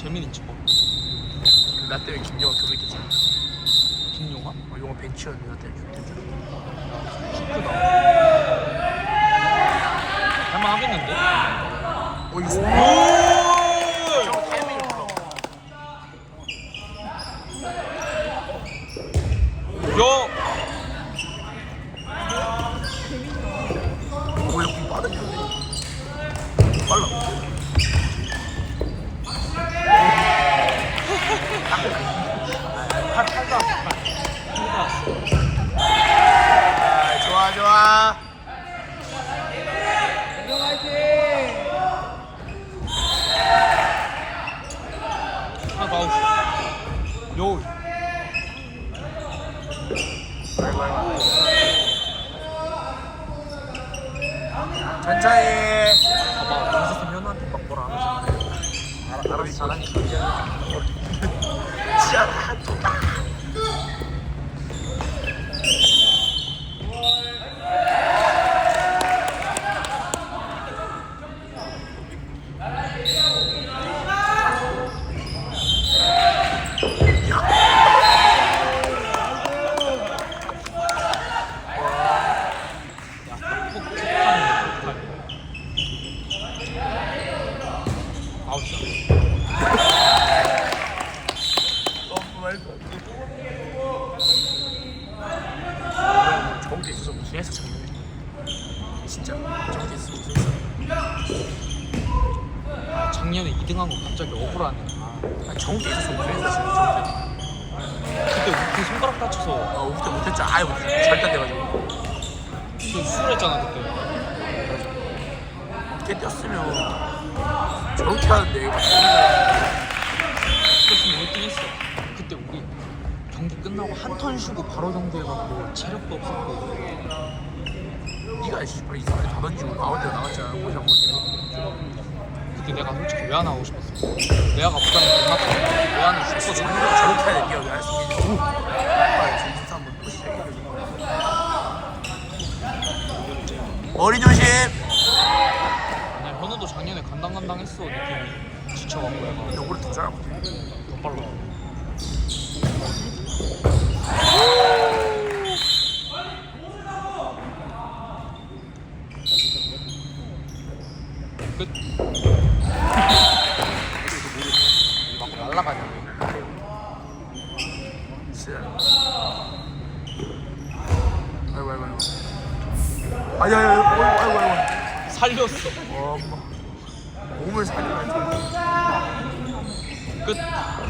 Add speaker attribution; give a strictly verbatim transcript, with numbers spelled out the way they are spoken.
Speaker 1: 교민 있지 뭐.
Speaker 2: 나 때문에 김용화 교육했잖아.
Speaker 1: 김용화?
Speaker 2: 어, 용화 벤치였는데 나 때문에 교육했잖아.
Speaker 1: 크다. 할만하겠는데?
Speaker 2: 어 이거 저거 타이밍을 몰라.
Speaker 1: 야!
Speaker 2: 오 이거 좀 빠르냐? 빨라.
Speaker 1: 팔, 팔 나왔어, 팔. 팔 나왔어.
Speaker 2: 아, 좋아 좋아.
Speaker 1: 하나 더 아웃. 요.
Speaker 2: 아이고 아이고. 천천히.
Speaker 1: 봐봐, 연습생 현우한테 막 뭐라 안 하잖아.
Speaker 2: 알아, 알아서 잘하니까. 진짜 좋다. 너무 말도 안 돼. 저기 있어서 무슨 해서 작년에 진짜 저기 있어 무슨 했어.
Speaker 1: 아, 작년에 이 등 한 거 갑자기 억울하네.
Speaker 2: 아 저기 있어서 무슨 했어 지금 저기.
Speaker 1: 그때 우리 손가락 다쳐서
Speaker 2: 아 그때 못했잖아. 아예 못했어. 절단돼가지고.
Speaker 1: 그 수술했잖아 그때.
Speaker 2: 그때 뛰었으면 저렇게 하는데 이거
Speaker 1: 그랬으면 일 등 했어. 그때 우리 경기 끝나고 한 턴 쉬고 바로 경기해갖고 체력도 없었고.
Speaker 2: 네가 씨발 이상하게 다 던지고 아웃대로 나갔잖아. 보자 보지.
Speaker 1: 그때 내가 솔직히 왜 안 하고 싶었어. 내가 부담이 못 났거든. 왜 안 하고 싶었어.
Speaker 2: 저렇게 저렇게 해야 돼. 네가 할수 있겠지. 오. 빨리 정신 한번 또 시작해. 머리 조심.
Speaker 1: 아니야 현우도 작년에 간당간당했어 느낌이. 지쳐갖고 얘가
Speaker 2: 근데 올해 더 잘하거든.
Speaker 1: 더 빨라. 끝. 막 날라가냐.
Speaker 2: 진짜. 아이고 아이고 아이고. 아야야 아이고 아이고 아이고.
Speaker 1: 살렸어.
Speaker 2: 와 엄마. 몸을 살려야지.
Speaker 1: 끝.